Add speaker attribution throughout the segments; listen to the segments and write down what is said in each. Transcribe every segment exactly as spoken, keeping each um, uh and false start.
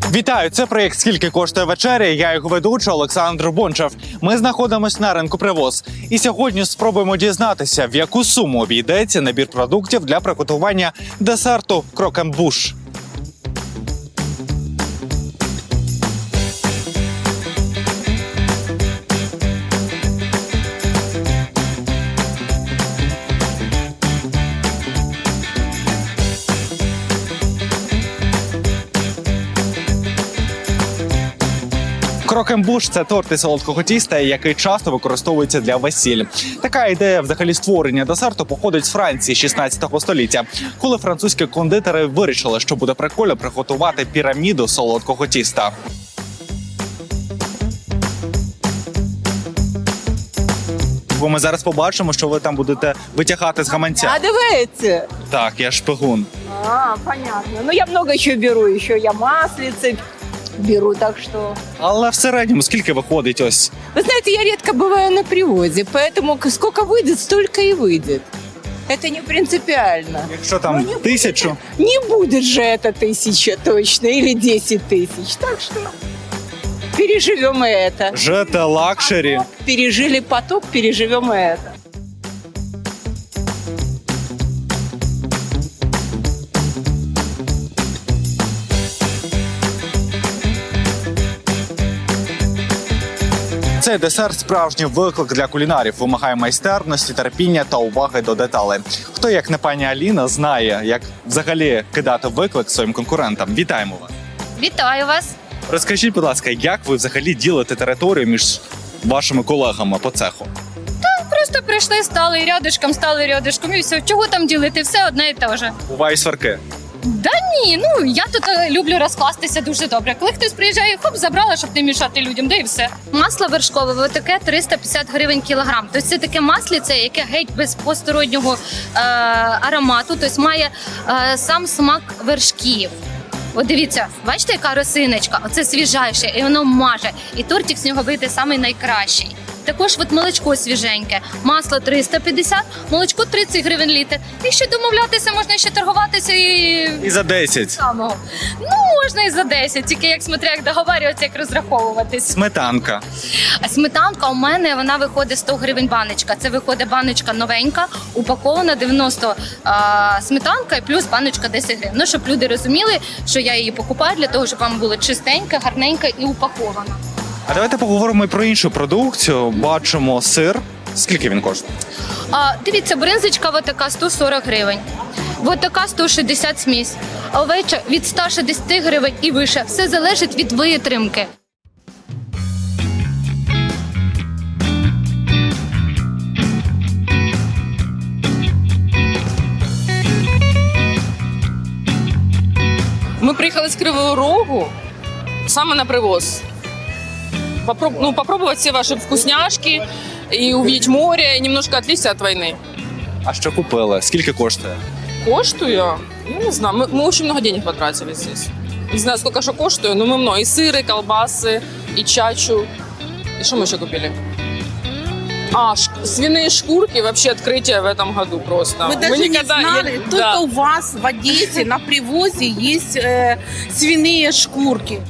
Speaker 1: Вітаю! Це проєкт «Скільки коштує вечеря?» Я його ведучий Олександр Бончев. Ми знаходимося на ринку «Привоз». І сьогодні спробуємо дізнатися, в яку суму обійдеться набір продуктів для приготування десерту крокембуш. Крокембуш – це торт із солодкого тіста, який часто використовується для весіль. Така ідея взагалі створення десерту походить з Франції шістнадцятого століття, коли французькі кондитери вирішили, що буде прикольно приготувати піраміду солодкого тіста. Бо ми зараз побачимо, що ви там будете витягати з гаманця.
Speaker 2: А давайте.
Speaker 1: Так, я шпигун.
Speaker 2: А, понятно. Ну, я много еще беру. Еще я маслицы беру, так что...
Speaker 1: Але в середньому скільки виходить ось?
Speaker 2: Вы знаете, я редко бываю на привозе, поэтому сколько выйдет, столько и выйдет. Это не принципиально.
Speaker 1: Якщо там
Speaker 2: Ну, не
Speaker 1: тисячу?
Speaker 2: Не будет же это тысяча точно или десять тысяч. Так что переживем и это.
Speaker 1: Жете лакшері.
Speaker 2: Пережили поток, переживем и это.
Speaker 1: Цей десерт – справжній виклик для кулінарів. Вимагає майстерності, терпіння та уваги до деталей. Хто, як не пані Аліна, знає, як взагалі кидати виклик своїм конкурентам. Вітаємо вас!
Speaker 3: Вітаю вас!
Speaker 1: Розкажіть, будь ласка, як ви взагалі ділите територію між вашими колегами по цеху?
Speaker 3: Просто прийшли, стали рядышком, стали рядышком і все. Чого там ділити? Все одне і те ж.
Speaker 1: Бувають сварки.
Speaker 3: Да ні, ну я тут е, люблю розкластися дуже добре. Коли хтось приїжджає, хоп, забрала, щоб не мішати людям, да і все. Масло вершкове, таке триста п'ятдесят гривень кілограм. Тобто це таке масліце, яке геть без постороннього е, аромату, тобто має е, сам смак вершків. От дивіться, бачите, яка росиночка? Оце свіжайше, і воно маже. І тортик з нього вийде самий найкращий. Також от молочко свіженьке, масло триста п'ятдесят, молочко тридцять гривень літр. І ще домовлятися, можна ще торгуватися і...
Speaker 1: І за десять.
Speaker 3: Самого. Ну, можна і за десять, тільки як смотря, як договарюватися, як розраховуватись.
Speaker 1: Сметанка.
Speaker 3: А сметанка у мене, вона виходить сто гривень баночка. Це виходить баночка новенька, упакована дев'яносто а, сметанка і плюс баночка десять гривень. Ну, щоб люди розуміли, що я її покупаю для того, щоб вам було чистенька, гарненька і упакована.
Speaker 1: А давайте поговоримо і про іншу продукцію. Бачимо сир. Скільки він коштує?
Speaker 3: А, дивіться, бринзочка вот така сто сорок гривень. Вот така сто шістдесят смісь. А овеча від ста шістдесят гривень і вище. Все залежить від витримки.
Speaker 4: Ми приїхали з Кривого Рогу саме на привоз. Попроб... Ну, попробовать все ваши вкусняшки и увидеть море, и немножко отвлечься от войны.
Speaker 1: А що купили? Скільки коштує?
Speaker 4: Коштую? Я не знаю. Мы, мы очень много денег потратили здесь. Не знаю, сколько что коштует, но мы много. И сыры, и колбасы, и чачу. И что мы еще купили? А, ш... свиные шкурки, вообще открытие в этом году просто.
Speaker 5: Мы даже
Speaker 4: никогда...
Speaker 5: не знали,
Speaker 4: Я...
Speaker 5: только
Speaker 4: Да.
Speaker 5: у вас в Одессе на привозе есть э, свиные шкурки.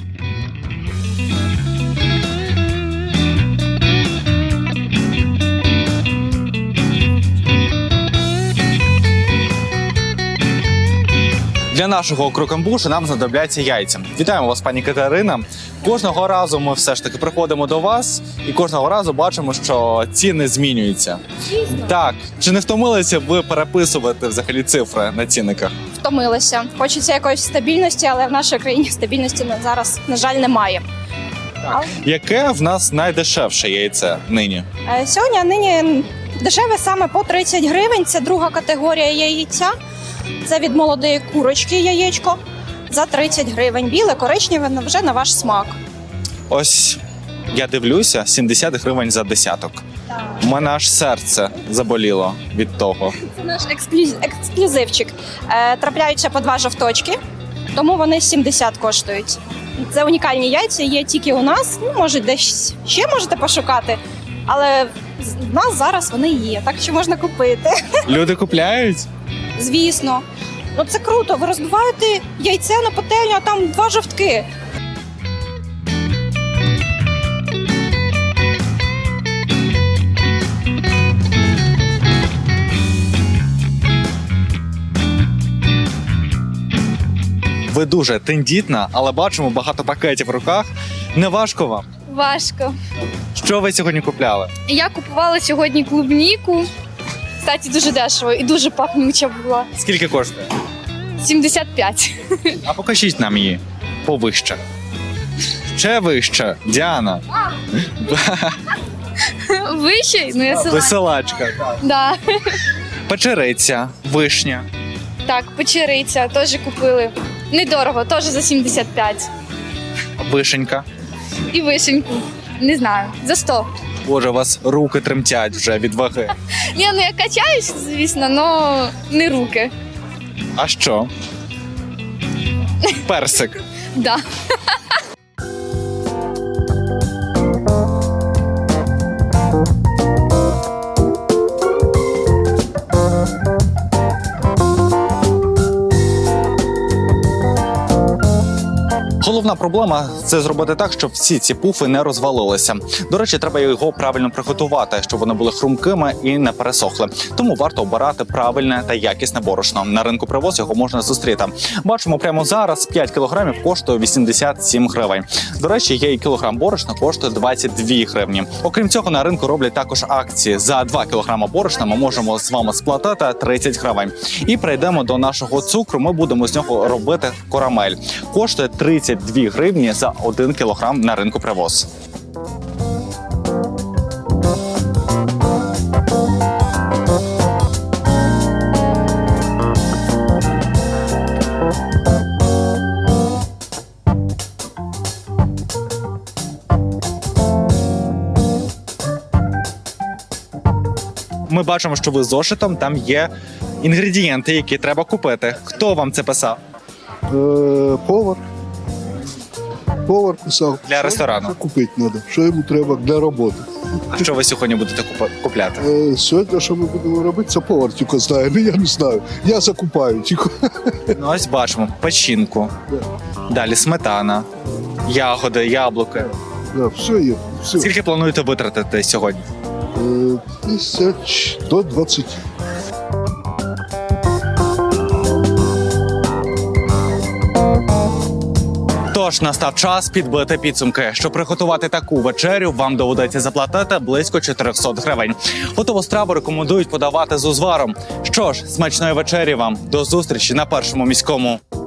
Speaker 1: Для нашого крокембушу нам знадобляться яйця. Вітаємо вас, пані Катерина. Кожного разу ми все ж таки приходимо до вас і кожного разу бачимо, що ціни змінюються. Дійсно? Так. Чи не втомилися ви переписувати взагалі цифри на цінниках?
Speaker 6: Втомилися. Хочеться якоїсь стабільності, але в нашій країні стабільності на- зараз, на жаль, немає.
Speaker 1: Яке в нас найдешевше яйце нині?
Speaker 6: Е, Сьогодні нині дешеве саме по тридцять гривень. Це друга категорія яйця. Це від молодої курочки яєчко за тридцять гривень. Біле, коричневе, вже на ваш смак.
Speaker 1: Ось я дивлюся, сімдесят гривень за десяток. У мене аж серце заболіло від того.
Speaker 6: Це наш ексклюз- ексклюзивчик. Е, Трапляються по два жовточки, тому вони сімдесят коштують. Це унікальні яйця, є тільки у нас. Ну, може, десь ще можете пошукати, але в нас зараз вони є, так що можна купити.
Speaker 1: Люди купляють?
Speaker 6: Звісно. Ну це круто. Ви розбиваєте яйце на пательню, а там два жовтки.
Speaker 1: Ви дуже тендітна, але бачимо багато пакетів в руках. Не важко вам?
Speaker 7: Важко.
Speaker 1: Що ви сьогодні купляли?
Speaker 7: Я купувала сьогодні клубніку. Кстати, дуже дешево і дуже пахнуча була.
Speaker 1: Скільки коштує?
Speaker 7: сімдесят п'ять.
Speaker 1: А покажіть нам її повище. Ще вище, Діана.
Speaker 7: Вище? Ну я села.
Speaker 1: Веселачка.
Speaker 7: Да.
Speaker 1: Печериця, вишня.
Speaker 7: Так, печериця теж купили. Недорого, теж за сімдесят п'ять.
Speaker 1: Вишенька.
Speaker 7: І вишеньку. Не знаю, за сто.
Speaker 1: Боже, у вас руки тремтять вже від ваги.
Speaker 7: Ні, ну я качаюсь, звісно, але не руки.
Speaker 1: А що? Персик.
Speaker 7: Да.
Speaker 1: Головна проблема – це зробити так, щоб всі ці пуфи не розвалилися. До речі, треба його правильно приготувати, щоб вони були хрумкими і не пересохли. Тому варто обирати правильне та якісне борошно. На ринку «Привоз» його можна зустріти. Бачимо, прямо зараз п'ять кілограмів коштує вісімдесят сім гривень. До речі, є і кілограм борошна коштує двадцять дві гривні. Окрім цього, на ринку роблять також акції. За два кілограми борошна ми можемо з вами сплатити тридцять гривень. І прийдемо до нашого цукру. Ми будемо з нього робити карамель. Коштує тридцять дві гривні за один кілограм на ринку «Привоз». Ми бачимо, що ви з зошитом, там є інгредієнти, які треба купити. Хто вам це писав?
Speaker 8: Е, повар. Повар писав.
Speaker 1: Для
Speaker 8: що
Speaker 1: ресторану.
Speaker 8: Що купити треба, що йому треба для роботи.
Speaker 1: А що ви сьогодні будете купа- купляти?
Speaker 8: Е, сьогодні, що ми будемо робити, це повар тільки знає. Ну, я не знаю. Я закупаю тільки.
Speaker 1: Ну, ось бачимо печінку, далі сметана, ягоди, яблуки.
Speaker 8: Да, все є. Все.
Speaker 1: Скільки плануєте витратити сьогодні?
Speaker 8: Е, тисяч до двадцяти.
Speaker 1: Тож настав час підбити підсумки. Щоб приготувати таку вечерю, вам доведеться заплатити близько чотириста гривень. Готову страву рекомендують подавати з узваром. Що ж, смачної вечері вам. До зустрічі на Першому міському.